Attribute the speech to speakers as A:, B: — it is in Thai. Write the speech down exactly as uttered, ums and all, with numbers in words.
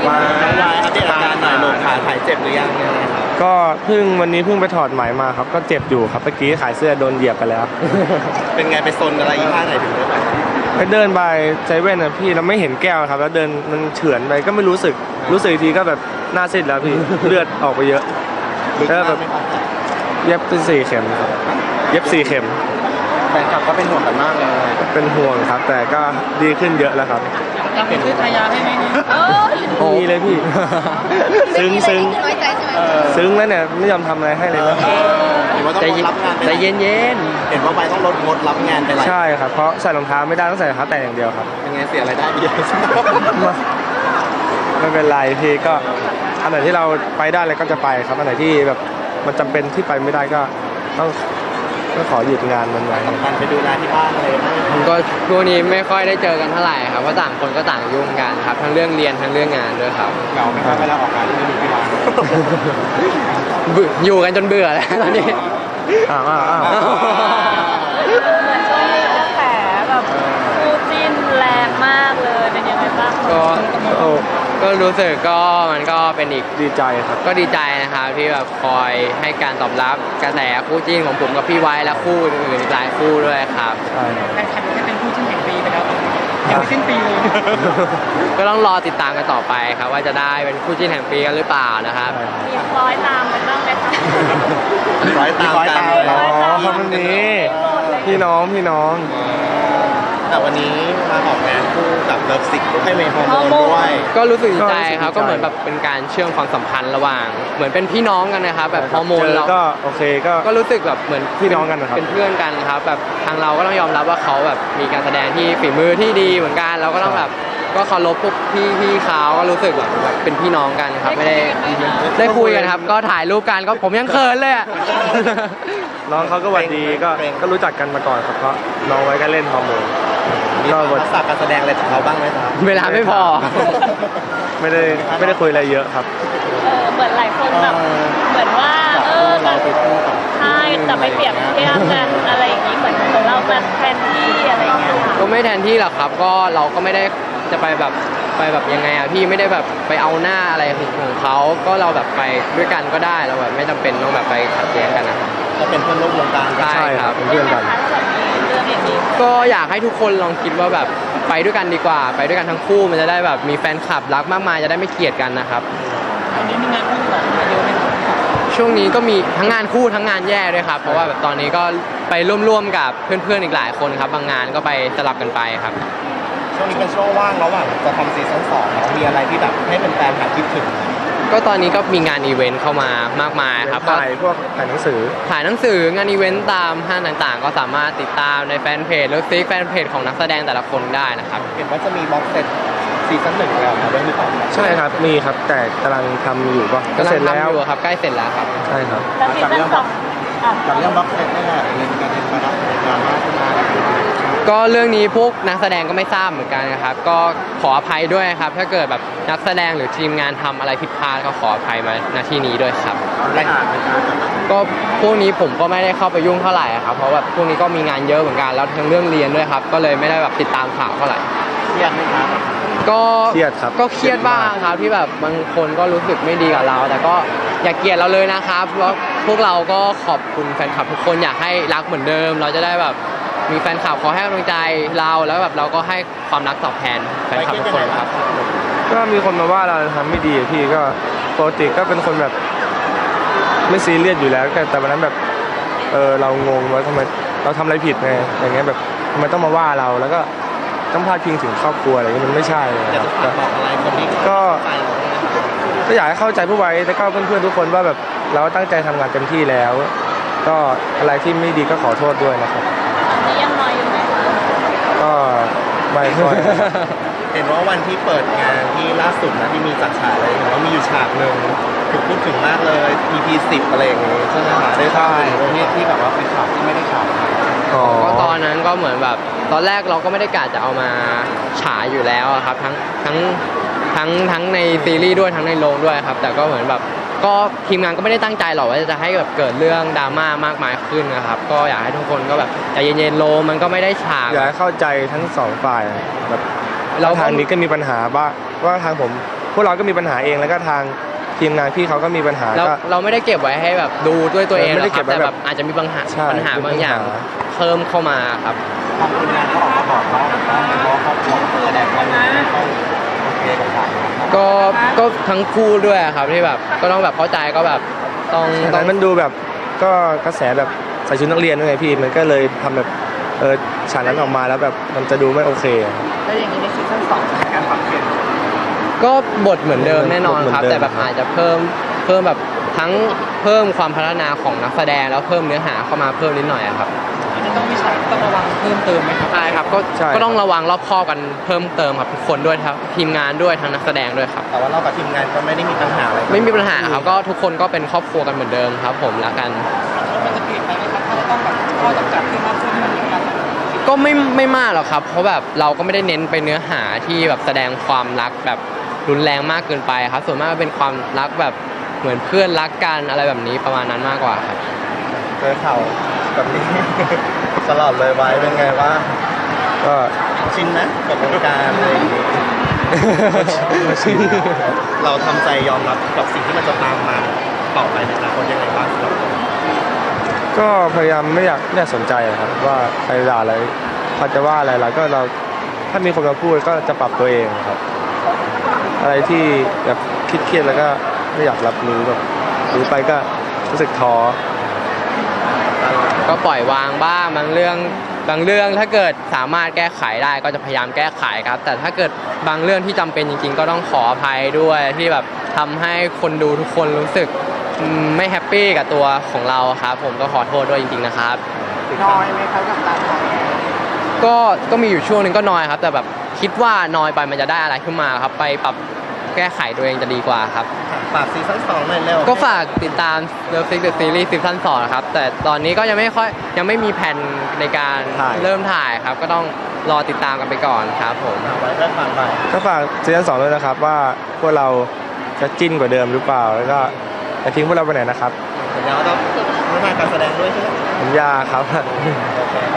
A: วายน้องวายอัปเดตอาการหน่อยลงขาหายเจ็บหรือยังยังไงครับ
B: ก็เพิ่งวันนี้เพิ่งไปถอดไหมมาครับก็เจ็บอยู่ครับเมื่อกี้ขายเสื้อโดนเหยียบไปแล้ว
A: เป็นไงไปซนอะไรยี่ห้าไหนถึงได้ไป
B: ไปเดินไปใจเว่นนะพี่เราไม่เห็นแก้วครับแล้วเดินมันเฉือนไปก็ไม่รู้สึกรู้สึกทีก็แบบหน้าซีดแล้วพี่ เลือดออกไปเยอะแล้วแบบเย็บเป็นสี่เข็มครับเย็บสี่เข็ม
A: แฟนคลับก็เป็นห่วงกันมากเลย
B: เป็นห่วงครับแต่ก็ดีขึ้นเยอะแล้วครับ
C: จะไปซื้อทายาให้ไหม
B: โอ้มีเลยพี่ซึ้งซึ้งซึ้งแล้วเนี่ยไม่ยอมทำอะไรให้เลยนะ
A: เห็นว่าต้องรับงาน
C: ใจเย็นเย็น
A: เห็นว่าไปต้องลดงดรับงานไปหลาย
B: ใช่ครับเพราะใส่รองเท้าไม่ได้ต้องใส่รองเท้าแต่อย่างเดียวครับ
A: เป็นไงเสียรายได้เยอะ
B: ไม่เป็นไรพี่ก็อันไหนที่เราไปได้เลยก็จะไปครับอันไหนที่แบบมันจำเป็นที่ไปไม่ได้ก็ต้องก็ขอหยุดงานมันไว้
A: การไปดูแลที่บ้านเลย
C: ผมก็ช่วงนี้ไม่ค่อยได้เจอกันเท่าไหร่ครับเพราะต่างคนก็ต่างยุ่งกันครับทั้งเรื่องเรียนทั้งเรื่องงานด้วยครับ
A: เก่าไม่ค่อยเวลาออกงานที่ไม่มีที่บ้าน
C: อยู่กันจนเบื่อแล้วตอนนี้
B: อ้าวอ้าวอ้าว
D: เหมือนช่วงนี้กระแสแบบคู่จิ้นแรงมากเลยเป็นยังไงบ้าง
C: ก็ก็รู้สึกก็มันก็เป็นอีก
B: ดีใจครับ
C: ก็ดีใจนะครับที่แบบคอยให้การตอบรับกระแสคู่จิ้นของผมกับพี่ไว้และคู่อื่นๆหลายคู่ด้วยครับ
B: ใช่
C: แฟนคลับจะเป็นคู่จิ้นแห่งปีไปแล้วยังไม่สิ้นปีเลยก็ต้องรอติดตามกันต่อไปครับว่าจะได้เป็นคู่จิ้นแห่งปีกันหรือเปล่านะครับ
D: มีคล้อยตามกันบ้างไหมคะ
A: คล้อยตามกัน
B: อ๋อคนนี้พี่น้องพี่น้อง
A: แต่วันนี้มาออกงานคู่กับเลิฟซิกให้เมย์ฮอร์โมนด้วย
C: ก็รู้สึกดีใจครับก็เหมือนแบบเป็นการเชื่อมความสัมพันธ์ระหว่างเหมือนเป็นพี่น้องกันนะครับแบบฮอร์โมนเรา
B: ก็โอเคก็
C: ก็รู้สึกแบบเหมือน
B: พี่น้องกันนะครับ
C: เป็นเพื่อนกันครับแบบทางเราก็ต้องยอมรับว่าเขาแบบมีการแสดงที่ฝีมือที่ดีเหมือนกันเราก็ต้องแบบก็เคารพพวกพี่พี่เขาก็รู้สึกแบบเป็นพี่น้องกันครับไม่ได้ได้คุยกันครับก็ถ่ายรูปกันก็ผมยังเขินเลย
B: น้องเขาก็หวัดดีก็ก็รู้จักกันมาก่อนครับเพราะน้องไว้ก็เล่นฮอร์โมน
A: ก็บทสักการแสดงอะไรของเขาบ้างไหมครับ
C: เวลาไม่พอ
B: ไม่ได้ไม่ได้คุยอะไรเยอะครับ
D: เออเหมือนหลายคนแบบเหมือนว่าเออ
A: เราไปคู่กับ
D: ใช่แต่ไปเปรียบเทียบกันอะไรอย่างนี้เหมือนของเรามาแทนที่อะไรอย่างเงี้ย
C: ก็ไม่แทนที่หรอกครับก็เราก็ไม่ได้จะไปแบบไปแบบยังไงอะพี่ไม่ได้แบบไปเอาหน้าอะไรของเขาก็เราแบบไปด้วยกันก็ได้เราแบบไม่จำเป็นต้องแบบไปขัดแย้งกันนะ
A: ก็เป็นเพื่อนร่วมวงการ
C: ใช่ครับ
B: เป็นเพื่อนกัน
C: ก็อยากให้ทุกคนลองคิดว่าแบบไปด้วยกันดีกว่าไปด้วยกันทั้งคู่มันจะได้แบบมีแฟนคลับรักมากมายจะได้ไม่เกลียดกันนะครับตอนนี้มีงานคู่แบบเยอะไหมช่วงนี้ก็มีทั้งงานคู่ทั้งงานแย่ด้วยครับเพราะว่าแบบตอนนี้ก็ไปร่วมๆกับเพื่อนๆอีกหลายคนครับบางงานก็ไปสลับกันไปครับ
A: ช่วงนี้เป็นช่วงว่างระหว่างจะทำซีซั่นสองแล้วมีอะไรที่แบบให้เป็นแฟนหาคิดถึง
C: ก็ตอนนี้ก็มีงานอีเวนต์เข้ามามากมายครับ
B: ถ่ายพวกถ่ายหนังสือ
C: ถ่ายหนังสืองานอีเวนต์ตามห้างต่างๆก็สามารถติดตามในแฟนเพจหรือซีแฟนเพจของนักแสดงแต่ละคนได้นะครับ
A: เห็นว่าจะมีบ็อกเซตซีซั่นหนึ่งแล้วมาด้วยหรือเปล่า
B: ใช่ครับมีครับแต่กำลังทำอยู่ป่ะ
C: ก็เสร็จแล้วครับใกล้เสร็จแล้วครับ
B: ใช่ครับ
A: จากเรื่องบ็อกจากเรื่องบ็อกเซตนี่แหละเรื่องการเรียนมาดราม่าขึ้นมา
C: ก็เรื่องนี้พวกนักแสดงก็ไม่ทราบเหมือนกันนะครับก็ขออภัยด้วยครับถ้าเกิดแบบนักแสดงหรือทีมงานทำอะไรผิดพลาดก็ขออภัยมาณที่นี้ด้วยครับก็พวกนี้ผมก็ไม่ได้เข้าไปยุ่งเท่าไหร่ครับเพราะแบบพวกนี้ก็มีงานเยอะเหมือนกันแล้วทั้งเรื่องเรียนด้วยครับก็เลยไม่ได้แบบติดตามข่าวเท่าไหร่
A: เครียดไหมครับ
C: ก็
B: เครียดครับ
C: ก็เครียดบ้างครับที่แบบบางคนก็รู้สึกไม่ดีกับเราแต่ก็อย่าเกลียดเราเลยนะครับเพราะพวกเราก็ขอบคุณแฟนคลับทุกคนอยากให้รักเหมือนเดิมเราจะได้แบบมีแฟนคลับขอให้กำลังใจเราแล้วแบบเราก็ให้ความรักตอบแทนแฟนคลับทุกคนครับ
B: ก็มีคนมาว่าเราทำไม่ดีพี่ก็ปกติก็เป็นคนแบบไม่ซีเรียสอยู่แล้วแต่วันนั้นแบบเออเรางงว่าทำไมเราทำอะไรผิดไงอย่างเงี้ยแบบทำไมต้องมาว่าเราแล้วก็ต้องพาดพิงถึงครอบครัวอะไรเงี้ยมันไม่ใช่
A: จะบอกอะไรคนนี้
B: ก็ก็อยากให้เข้าใจผู้ไว้แล้วก็เพื่อนๆทุกคนว่าแบบเราตั้งใจทำงานเต็มที่แล้วก็อะไรที่ไม่ดีก็ขอโทษด้วยนะครับ
D: นี่ยังน้อยอยู่ไหม
B: ก็ไม่ค่อย
A: เห็นว่าวันที่เปิดงานที่ล่าสุดนะที่มีจัดฉากอะไรเห็นว่ามีอยู่ฉากหนึ่งถูกพูดถึงมากเลย อี พี สิบอะไรอย่างงี้ใช่ไหมคะได้ใช่ที่ที่แบบว่าเป็นฉากที่ไม่ได้ฉาก
C: ก็ตอนนั้นก็เหมือนแบบตอนแรกเราก็ไม่ได้กะจะเอามาฉายอยู่แล้วครับทั้งทั้งทั้งทั้งในซีรีส์ด้วยทั้งในโรงด้วยครับแต่ก็เหมือนแบบก็ทีมงานก็ไม่ได้ตั้งใจหรอกว่าจะให้แบบเกิดเรื่องดราม่ามากมายขึ้นนะครับก็อยากให้ทุกคนก็แบบใจเย็นๆโลมันก็ไม่ได้ฉาก
B: อยากให้เข้าใจทั้งสองฝ่ายแบบเราทางนี้ก็มีปัญหาบ้างว่าทางผมวกเราก็มีปัญหาเองแล้วก็ทางทีมงานพี่เขาก็มีปัญหา
C: เรา
B: ก็
C: เราไม่ได้เก็บไว้ให้แบบดูด้วยตัวเอง
B: ไม่ได้
C: หรอกค
B: เก็
C: รั
B: บบ ไว้
C: แต่
B: แบ
C: แบบ บอาจจะมีปัญหา
B: ใช่
C: ปัญหาบางอย่าง
B: มีปัญหา
C: เพิ่มเข้ามาครับ
A: ทางทีมงานก็ออกมาบอกเนาะเพราะครอบครัวแสดงว่าไม่ต้องโอเคกับข่าว
C: ก็ก็ทั้งคู่ด้วยครับที่แบบก็ต้องแบบเข้าใจก็แบบต้อง
B: ต
C: ต้
B: อ
C: อน ง
B: นั้นมันดูแบบก็กระแสแบบใส่ชุดนักเรียนด้วยไงพี่มันก็เลยทำแบบเออฉากนั้นออกมาแล้วแบบมันจะดูไม่โอเค
A: แล้วอย่างนี้ในซีซั่นสองจะมีการปรับเปลี่ยน
C: ก็บทเหมือนเดิมแน่นอนครับ
B: บทเหมือนเดิม
C: แต่แบบอาจจะเพิ่มเพิ่มแบบทั้งเพิ่มความพัฒนาของนักแสดงแล้วเพิ่มเนื้อหาเข้ามาเพิ่มนิดหน่อยอะครับ
D: จะต้องมีฉากต้องระวังเพิ่มเติมไหมครับ
C: ใช่ครับก็
B: ใช่
C: ก็ต้องระวังรอบคอบกันเพิ่มเติมครับทุกคนด้วยครับทีมงานด้วยทั้งนักแสดงด้วยครับ
A: แต่ว่าเรากับทีมงานก็ไม่ได้มีปัญหาอะไร
C: ไม่มีปัญหาครับก็ทุกคนก็เป็นครอบครัวกันเหมือนเดิมครับ ผมแล้วกัน
D: มันจะเปลี่ยนไปไหมครับถ้าจะต้องแบบข้อจำกัดที่มากขึ้นมันครับ
C: ก็ไม่ไม่มากหรอกครับ เพราะแบบเราก็ไม่ได้เน้นไปเนื้อหาที่แบบแสดงความรักแบบรุนแรงมากเกินไปครับ ส่วนมากก็เป็นความรักแบบเหมือนเพื่อนรักกันอะไรแบบนี้ประมาณนั้นมากกว่าครับ
A: เจอข่าวแบบนี้ ตลอดเลยไว้เป็นไงว่า
B: ก็
A: ชินนะกับวงการอะไรอย่างงี้ เราทำใจยอมรับกับสิ่งที่มันจะตามมาต่อไปในอนาคตยังไงบ้างสำหรับเรา
B: ก็พยายามไม่อยากไม่อยากสนใจอะครับว่าใครด่าอะไรเขาจะว่าอะไรเราก็เราถ้ามีคนมาพูดก็จะปรับตัวเองครับ อะไรที่แบบคิดเครียดแล้วก็ไม่อยากรับรู้แบบรู้ไปก็รู้สึกท้อ
C: ก็ปล่อยวางบ้างบางเรื่องบางเรื่องถ้าเกิดสามารถแก้ไขได้ก็จะพยายามแก้ไขครับ แต่ถ้าเกิดบางเรื่องที่จำเป็นจริง ๆ ก็ต้องขออภัยด้วยที่แบบทำให้คนดูทุกคนรู้สึกอืมไม่แฮปปี้กับตัวของเราครับ ผมก็ขอโทษด้วยจริง ๆ นะครับ
A: น้อยไหมครับกับการถ่าย
C: ก็ก็มีอยู่ช่วงหนึงก็น้อยครับ แต่แบบคิดว่าน้อยไปมันจะได้อะไรขึ้นมาครับ ไปปรับแก้ไขตัวเองจะดีกว่าครับ
A: ฝากซีซั่นสองหน่อยเร็ว
C: ก็ฝากติดตาม Love Sick the Series ซีซั่นสองนะครับ แต่ตอนนี้ก็ยังไม่ค่อยยังไม่มีแผนในการเริ่มถ่ายครับ ก็ต้องรอติดตามกันไปก่อนครับผม
A: เอาไว้เรื่องผ่านไป
B: ก็ฝากซีซั่นสองด้วยนะครับว่าพวกเราจะจิ้นกว่าเดิมหรือเปล่าแล้วก็จะทิ้งพวกเราไปไหนนะครับ
A: สัญญาว่าต้องพัฒนาการแสดงด้วยใช่ไหม
B: สัญญาครับ
A: โอเค